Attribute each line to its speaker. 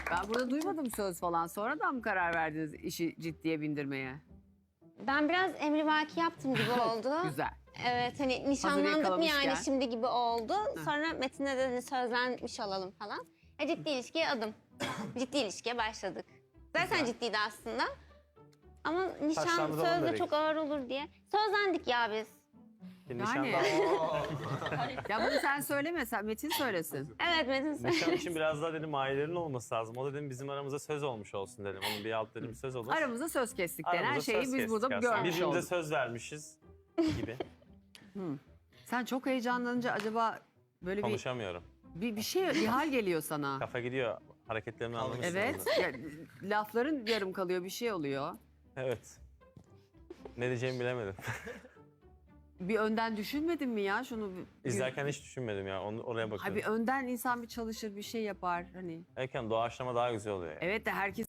Speaker 1: Ben burada duymadım söz falan. Sonradan mı karar verdiniz işi ciddiye bindirmeye?
Speaker 2: Ben biraz emrivaki yaptım gibi oldu.
Speaker 1: Güzel.
Speaker 2: Evet hani nişanlandık mı
Speaker 1: yakalamışken.
Speaker 2: yani şimdi gibi oldu. Sonra Metin'le de sözlenmiş olalım falan. Ciddi ilişkiye adım. Ciddi ilişkiye başladık. Zaten ciddiydi aslında. Ama nişan
Speaker 3: Taşlandıralım
Speaker 2: sözde
Speaker 3: dedik.
Speaker 2: çok ağır olur diye. Sözlendik ya biz.
Speaker 1: Yani. Ya bunu sen söyleme, sen Metin söylesin.
Speaker 2: Evet Metin
Speaker 3: Nişan
Speaker 2: söyledi.
Speaker 3: için biraz daha dedim ailelerin olması lazım. O dedim bizim aramızda söz olmuş olsun dedim. Onun bir alt dedim söz olur.
Speaker 1: Aramızda söz kestik denen
Speaker 3: Aramızda
Speaker 1: şeyi
Speaker 3: söz
Speaker 1: biz
Speaker 3: kestik
Speaker 1: burada
Speaker 3: aslında.
Speaker 1: görmüş
Speaker 3: Birbirimize
Speaker 1: olduk.
Speaker 3: söz vermişiz gibi.
Speaker 1: Sen çok heyecanlanınca acaba böyle
Speaker 3: Konuşamıyorum.
Speaker 1: bir hal geliyor sana.
Speaker 3: Kafa gidiyor. Hareketlerimi anlamışsın.
Speaker 1: Evet. Ya, lafların yarım kalıyor, bir şey oluyor.
Speaker 3: Evet. Ne diyeceğimi bilemedim.
Speaker 1: Bir önden düşünmedin mi ya şunu?
Speaker 3: İzlerken hiç düşünmedim ya. Oraya
Speaker 1: Ha,
Speaker 3: bakıyorum.
Speaker 1: bir önden insan bir çalışır, bir şey yapar hani.
Speaker 3: Erken doğaçlama daha güzel oluyor. Yani.
Speaker 1: Evet de herkes